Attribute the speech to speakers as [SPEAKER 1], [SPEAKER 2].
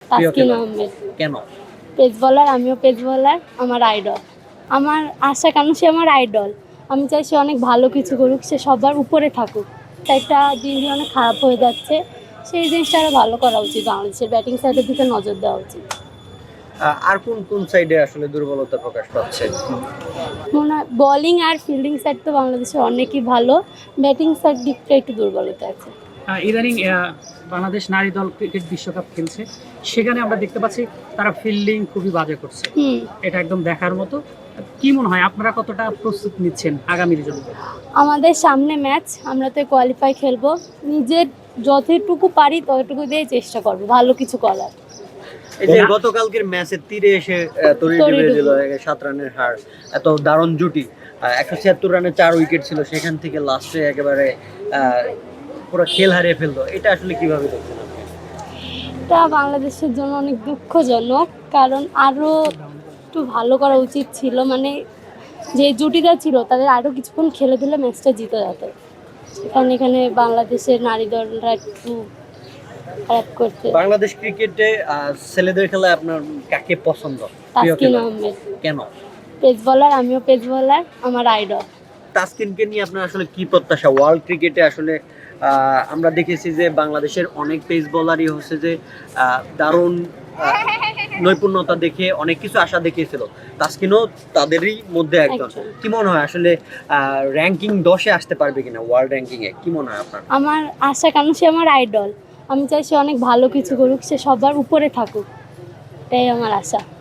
[SPEAKER 1] তাসকিন আহমেদ।
[SPEAKER 2] কেন?
[SPEAKER 1] পেস বলার, আমিও পেস বলার, আমার আইডল। আমার আশা, কারণ সে আমার আইডল। আমি চাই সে অনেক ভালো কিছু করুক, সে সবার উপরে থাকুক। একটা দিন দিন অনেক খারাপ হয়ে যাচ্ছে, সেই জিনিসটা আরও ভালো করা উচিত। বাংলাদেশের ব্যাটিং সাইডের দিকে নজর দেওয়া উচিত।
[SPEAKER 2] আর কোন কোন সাইডে আসলে দুর্বলতা প্রকাশ পাচ্ছে?
[SPEAKER 1] মনে হয় বোলিং আর ফিল্ডিং সাইড তো বাংলাদেশে অনেকই ভালো, ব্যাটিং সাইড দিকটা একটু দুর্বলতা আছে।
[SPEAKER 3] ইদানিং বাংলাদেশ নারী দল ক্রিকেট বিশ্বকাপ খেলছে, সেখানে আমরা দেখতে পাচ্ছি তারা ফিল্ডিং খুবই বাজে করছে। এটা একদম দেখার মতো। কি মনে হয় আপনারা কতটা প্রস্তুত নিচ্ছেন আগামীর জন্য?
[SPEAKER 1] আমাদের সামনে ম্যাচ, আমরা তো কোয়ালিফাই খেলবো। নিজের যতটুকু পারি ততটুকু দিয়ে চেষ্টা করবো ভালো কিছু করার।
[SPEAKER 2] এই যে গতকালকের ম্যাচের তীরে এসে তরি ডুবে দিল 7 রানের হার, এত দারুণ জুটি। 176 রানে 4 উইকেট ছিল, সেখান থেকে লাস্টে একেবারে পুরো খেল হারিয়ে ফেললো। এটা আসলে কিভাবে দেখছেন আপনি?
[SPEAKER 1] এটা বাংলাদেশের জন্য অনেক দুঃখজনক, কারণ আরও একটু ভালো করা উচিত ছিল। মানে যে জুটিটা ছিল তাদের আরও কিছুক্ষণ খেলে দিলে ম্যাচটা জিতে যেত। কারণ এখানে বাংলাদেশের নারী দলরা একটু খারাপ করছে।
[SPEAKER 2] বাংলাদেশ ক্রিকেটে ছেলেদের খেলায় আপনার কাকে পছন্দ?
[SPEAKER 1] তাসকিন আহমেদ।
[SPEAKER 2] কেন?
[SPEAKER 1] পেস বলার, আমিও পেস বলার, আমার আইডল।
[SPEAKER 2] তাসকিনকে নিয়ে আপনার আসলে কি প্রত্যাশা? ওয়ার্ল্ড ক্রিকেটে আসলে আমরা দেখেছি যে বাংলাদেশের অনেক পেস বোলারই হচ্ছে যে দারুণ নৈপুণ্যতা দেখে অনেক কিছু আশা দেখিয়েছিল। তাসকিনও তাদেরই মধ্যে একজন। কি মনে হয় আসলে র্যাঙ্কিং 10-এ আসতে পারবে কিনা ওয়ার্ল্ড র্যাঙ্কিংয়ে? কি মনে হয় আপনার?
[SPEAKER 1] আমার আশা, কারণ সে আমার আইডল। আমি চাই সে অনেক ভালো কিছু করুক, সে সবার উপরে থাকুক, এটাই আমার আশা।